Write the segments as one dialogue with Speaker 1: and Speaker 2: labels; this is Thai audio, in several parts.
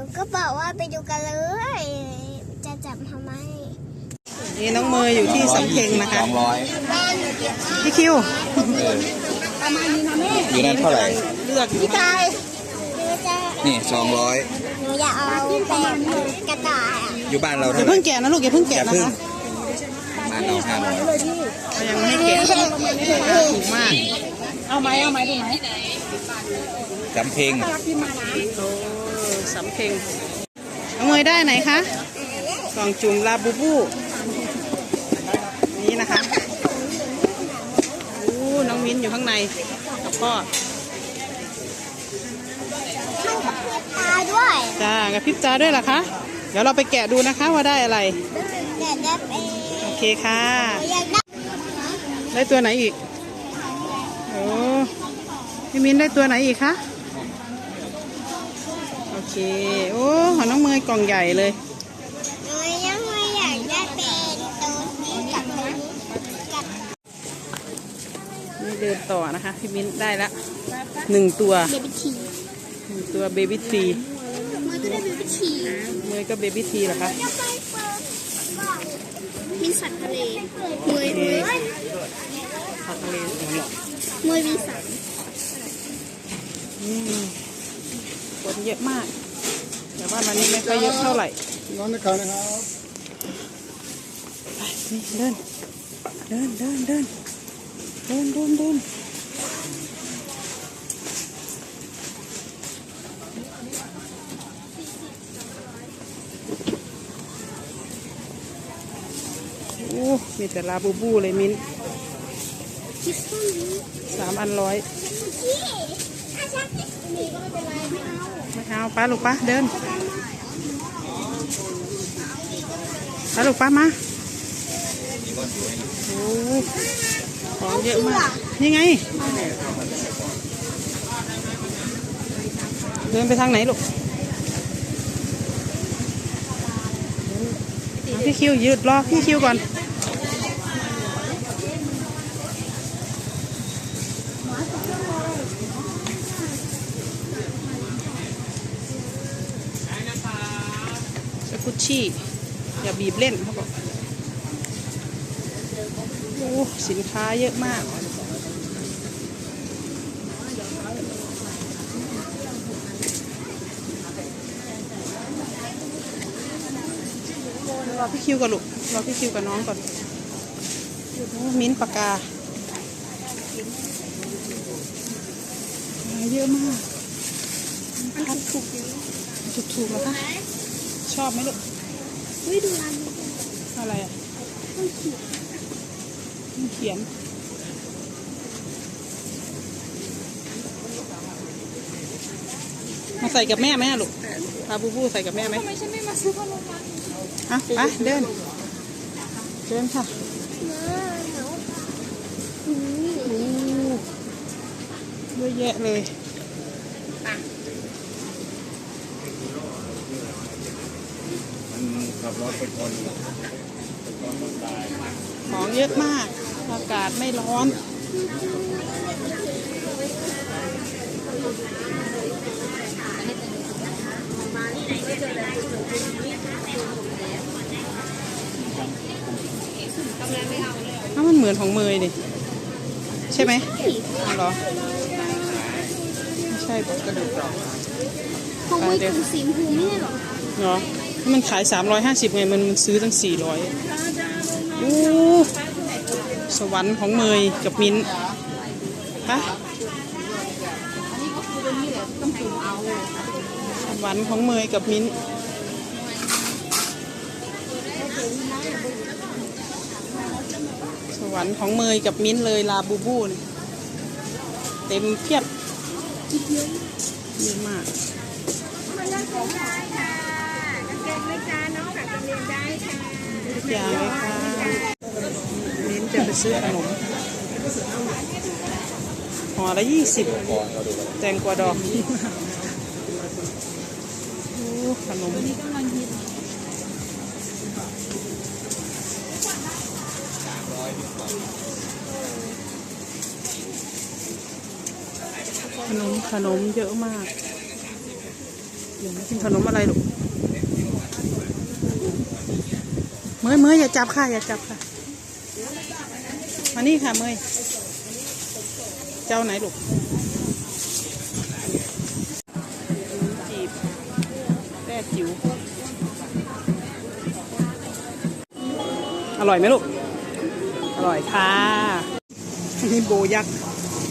Speaker 1: ก็บอกว่าไปดูกันเลยจะจับทำไม
Speaker 2: นี่น้องเมย์อยู่ที่สำเพ็งนะคะพี่คิว
Speaker 3: อยู่นั่นเท่าไหร่
Speaker 2: เลือกอยู่
Speaker 1: พี่กาย
Speaker 3: นี่200
Speaker 1: หนูอยากเอาแบบกระต่าย
Speaker 3: อยู่บ้านเรา
Speaker 2: อย่า
Speaker 3: เท่าไหร่
Speaker 2: เพิ่งแกะนะลูกอย่าเพิ่งแกะนะคะ
Speaker 3: บ้านเรา500
Speaker 2: ยังไม่ให้แกะถูกมากเอาไหมดูไหม
Speaker 3: สำเพ็ง
Speaker 2: สำเพ็งน้องเมย์ได้ไหนคะกล่องจุ่มลาบูบูนี่นะคะน้องมิ้นอยู่ข้างในกับพ่อ
Speaker 1: ตาด้วย
Speaker 2: จ้ากระพริบตาด้วยเหรอคะเดี๋ยวเราไปแกะดูนะคะว่าได้อะไรโอเคค่ะได้ตัวไหนอีกโอ้พี่มิ้นได้ตัวไหนอีกคะโอเคโอ้ของน้องเมย์กล่องใหญ่เลย
Speaker 1: ยังไม่อยากได้เป็นตัวนี้กับตัวนี้
Speaker 2: นี่เดินต่อนะคะพี่มิ้นได้ละ1 ตัว
Speaker 1: เบบี้ที
Speaker 2: ตัวเบบี้ที
Speaker 1: มือก็ได้เบบี้ที
Speaker 2: เมย์ก็เบบี้ทีเหรอคะ
Speaker 1: มีสัตว์ทะเลมวย
Speaker 2: ผักทะเล
Speaker 1: มวยมีสัตว์
Speaker 2: คนเยอะมากแต่ว่าวันนี้ไม่ค่อยเยอะเท่าไหร่
Speaker 3: น้องนะครับ
Speaker 2: ไปนี่เดินโอ้มีแต่ลาบูบูเลยมิ้น3 อัน100ไม่เอาป้าลูกป้าเดินป้าลูกป้ามาโอ้ของเยอะมากนี่ไงเดินไปทางไหนลูกพี่คิวยืดรอพี่คิวก่อนสกุชชี่อย่าบีบเล่นเขาบอกโอ้สินค้าเยอะมากรอพี่คิวกับลูกรอพี่คิวกับน้องก่อนมิ้นปากกาเยอะมากถูกแล้วคะชอบไหมลูก
Speaker 1: ดูร้านนี้
Speaker 2: อะไรอ่ะเขียนมาใส่กับแม่ไหมลูกลาบูบูใส่กับแม่ไหม
Speaker 1: ทำไมฉันไม่มาซื้อขนมปัง
Speaker 2: ไปเดินค่ะเยอะแยะเลย
Speaker 3: ขับรถไปคน
Speaker 2: ของเยอะมากอากาศไม่ร้อนถ้ามันเหมือนของเมย์ดิใช่ไหมเหรอไม่ใช่กระดูก
Speaker 1: ของเมย์คือสีชมพูไม่ใช่หรอ
Speaker 2: เหรอมันขาย350ไงมันซื้อตั้ง400โอ้สวรรค์ของเมย์กับมิ้นปะสวรรค์ของเมย์กับมิ้นสวรรค์ของเมย์กับมิ้นเลยลาบูบูเนี่ยเต็มเพียบเยอะมากอย่างเลยค่ะมิ้นจะไปซื้อขนมห่อละ20แตงกวาดอกขนมขนมเยอะมากกินขนมอะไรลูกเมยอย่าจับค่ะอย่าจับค่ะมานี่ค่ะเมยเจ้าไหนลูกจีบแร่จิ๋วอร่อยไหมลูกอร่อยค่ะนี่โบยักษ์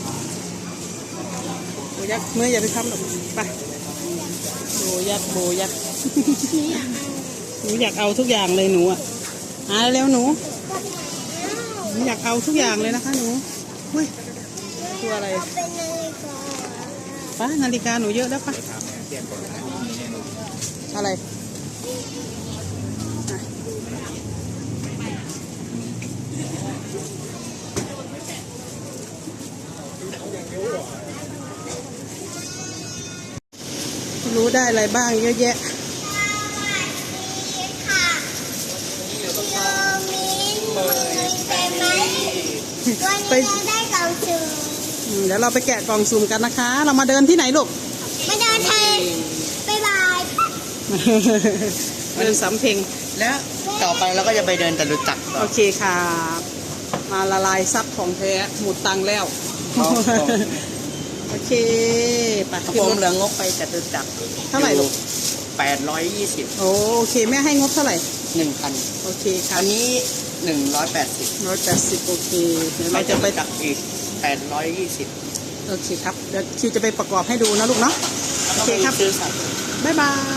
Speaker 2: เมื่ออย่าไปทำหรอกไปโบยักษ์หนูอยากเอาทุกอย่างเลยหนูอ่ะเร็วหนูอยากเอาทุกอย่างเลยนะคะหนูเฮ้ยตัวอะไรป้านาฬิกาหนูเยอะแล้วป้าอะไรรู้ได้อะไรบ้างเยอะแยะ
Speaker 1: ไปได้กล่องสุ่ม
Speaker 2: เดี๋ยวเราไปแกะกล่องสุ่มกันนะคะ เรามาเดินที่ไหนลูก
Speaker 1: มาเดินไทยบ๊ายบาย
Speaker 2: เดินสำเพ็ง
Speaker 4: แล้วต่อไปเราก็จะไปเดินจตุจักร
Speaker 2: โอเคค่ะมาละลายซับของแท้หมดตังค์แล้วโอเคไป
Speaker 4: ผ
Speaker 2: ขึ้น
Speaker 4: ม
Speaker 2: รถ
Speaker 4: เหลืองกไปจตุจักร
Speaker 2: เท่าไหร่ลูก
Speaker 4: 820
Speaker 2: โอเคแม่ให้งบเท่าไหร่
Speaker 4: 1,000
Speaker 2: โอเคค่ะ
Speaker 4: อันนี้180
Speaker 2: 180โอเคเดี๋ยวเราจะไป
Speaker 4: จักรอีก820
Speaker 2: โอเคครับเดี๋ยวคิวจะไปประกอบให้ดูนะลูกเนาะโอเคครับ
Speaker 4: ซื้อสัตว์
Speaker 2: บ๊ายบาย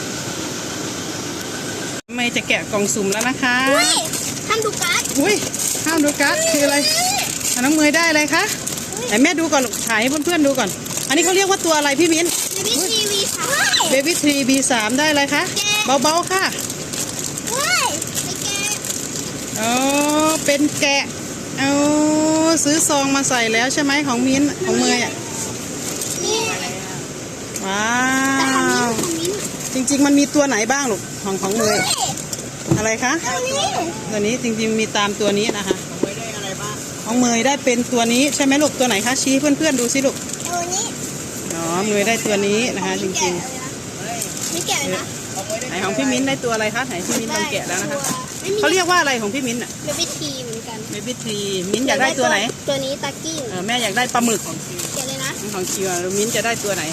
Speaker 2: ไม่จะแกะกล่องสุ่มแล้วนะคะ
Speaker 1: อุ้ยทำดูการ์ด
Speaker 2: อุ้ยห้ามดูการ์ดคืออะไรน้องเมยได้อะไรคะไหนแม่ดูก่อนถ่ายให้เพื่อนๆดูก่อนอันนี้เขาเรียกว่าตัวอะไรพี่มิ้น
Speaker 1: บีบีทีวีค่ะ
Speaker 2: Baby 3 B3 ได้อะไรคะเบาๆค่ะ
Speaker 1: เฮ้ยไปแกะ
Speaker 2: อ๋อเป็นแกะเอาซื้อซองมาใส่แล้วใช่ไหมของมิ้นของเมยอ่ะ
Speaker 1: นี่
Speaker 2: ว้า
Speaker 1: แต่ของมิ้น
Speaker 2: ว
Speaker 1: ของมิ้น
Speaker 2: จริงๆมันมีตัวไหนบ้างลูกของเมยอะไรคะ
Speaker 1: ตัวนี้
Speaker 2: ตัวนี้จริงๆมีตามตัวนี้นะคะของเมยได้เป็นตัวนี้ใช่ไหมลูกตัวไหนคะชี้เพื่อนๆดูสิลูก
Speaker 1: ตัวนี้
Speaker 2: อ๋อเมยได้ตัวนี้นะคะจริง
Speaker 1: ไม่แกะเลยนะ
Speaker 2: ๆไหนของพี่มิ้นได้ตัวอะไรคะไหนพี่มิ้นลองแกะแล้วนะคะ
Speaker 1: ไม่มี
Speaker 2: เขาเรียกว่าอะไรของพี่มิ้นอ่ะ
Speaker 1: เบบี้ทีเหมือนกัน
Speaker 2: Baby 3มิ้นอยากได้ตัวไหน
Speaker 1: ตัวนี้ตากิ้ง
Speaker 2: แม่อยากได้ปลาหมึก
Speaker 1: แกะเลยนะ
Speaker 2: ของคิวมิ้นจะได้ตัวไหน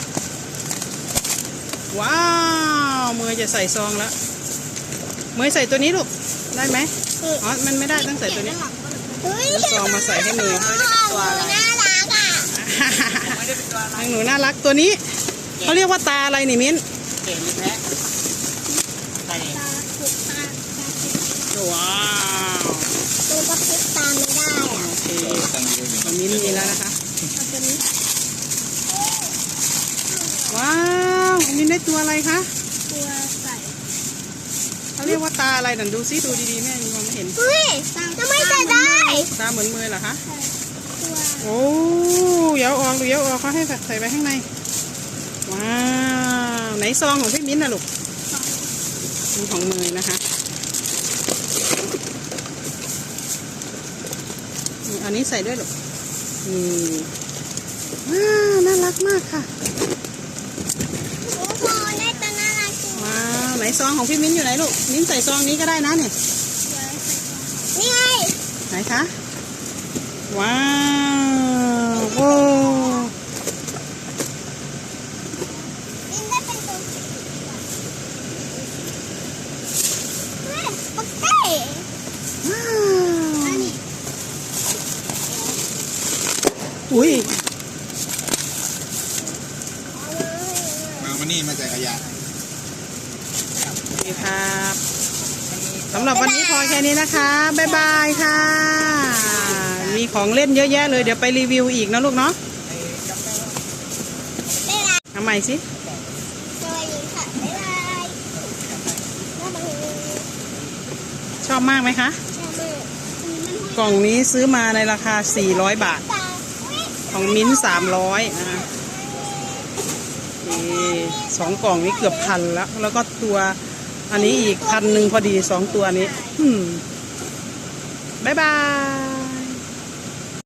Speaker 2: ว้าวเมยจะใส่ซองแล้วเมยใส่ตัวนี้ลูกได้ไหมอ๋อมันไม่ได้ต้องใส่ตัวนี้
Speaker 1: เฮ้ย
Speaker 2: แล้วซองมาใส่ให้มือ
Speaker 1: ตัวน่ารักอ่ะ
Speaker 2: ทางหนูน่ารักตัวนี้เขาเรียกว่าตาอะไรนี่มิ้น
Speaker 4: เก่งหรือแพ้ไปเอง
Speaker 1: ตาคุกตา
Speaker 2: ว้าว
Speaker 1: ตัวก็คุกตาไม่ได้อ่ะ
Speaker 2: โอเค
Speaker 3: ตั้งเยอะอยู่
Speaker 2: ของมิ้นมีแล้วนะคะ
Speaker 1: เอาตัวนี้
Speaker 2: ว้าวมิ้นได้ตัวอะไรคะ
Speaker 1: ตัวใส่
Speaker 2: เขาเรียกว่าตาอะไรนั่นดูซิดูดีๆแม่ยังมองไม่เห็น
Speaker 1: เฮ้ยทำไมใส่ได้
Speaker 2: ตาเหมือนมือเหรอคะ
Speaker 1: ตัว
Speaker 2: โอ้เดี๋ยวออกดูเดี๋ยวออกเขาให้ใส่ไปข้างในว้าวไหนซองของพี่มิ้นท์นะลูกนี่ของมือนะคะนี่อันนี้ใส่ด้วยลูกนี่ว้าวน่ารักมากค่ะ
Speaker 1: โอ้โหได้ตัวน่ารักจริง
Speaker 2: ว้าวไหนซองของพี่มิ้นท์อยู่ไหนลูกมิ้นท์ใส่ซองนี้ก็ได้นะเนี่ย
Speaker 1: นี่ไง
Speaker 2: ไหนคะว้าวโอ้
Speaker 1: นี่ได้เป็นตัวเฮ้ยโอเค
Speaker 2: ว้าว
Speaker 1: อันนี้
Speaker 2: อุ้ย
Speaker 3: มานี่มาใส่ขยะ
Speaker 2: โอเคครับสำหรับวันนี้พอแค่นี้นะคะบ๊ายบายค่ะ มีของเล่นเยอะแยะเลยเดี๋ยวไปรีวิวอีกนะลูกเนาะ
Speaker 1: ได้ละ
Speaker 2: ทำใหม่สิ
Speaker 1: สวัสดีค่ะบ๊ายบายบ๊ายบาย
Speaker 2: ชอบมากไหมคะ
Speaker 1: ชอบมาก
Speaker 2: กล่องนี้ซื้อมาในราคา400 บาท
Speaker 1: ตาอุ๊ย
Speaker 2: ของมิ้นท์300นะคะสองกล่องนี้เกือบพันแล้วก็ตัวอันนี้อีก1,000พอดี2ตัวนี้บ๊ายบาย